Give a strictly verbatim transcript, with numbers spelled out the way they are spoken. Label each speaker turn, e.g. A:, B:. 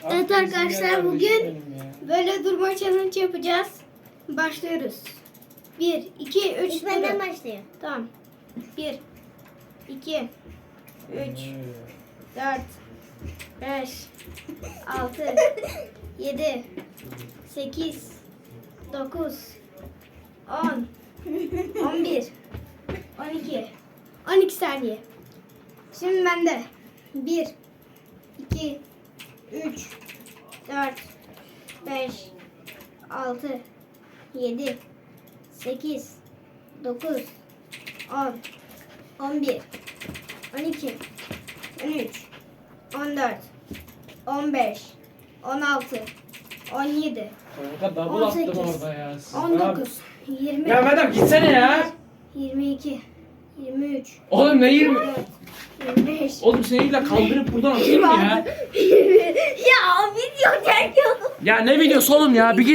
A: Evet arkadaşlar, bugün böyle durma challenge yapacağız. Başlıyoruz. bir, iki, üç.
B: İlk benden başlıyor.
A: Tamam. bir, iki, üç, dört, beş, altı, yedi, sekiz, dokuz, on, on bir, on iki, on iki saniye. Şimdi bende. bir, iki, üç, dört, beş, altı, yedi, sekiz, dokuz, on, on bir, on iki, on üç, on dört, on beş, on altı, on yedi,
C: Kanka double
A: on
C: attın
A: sekiz,
C: orada ya.
A: on dokuz, yirmi,
C: Ya madem gitsene ya.
A: yirmi iki, yirmi üç,
C: Oğlum ne yirmi?
A: yirmi dört, yirmi beş.
C: Oğlum seni illa kaldırıp buradan atayım mı ya?
B: Ya video çekiyordum.
C: Ya ne videosu oğlum ya? Bir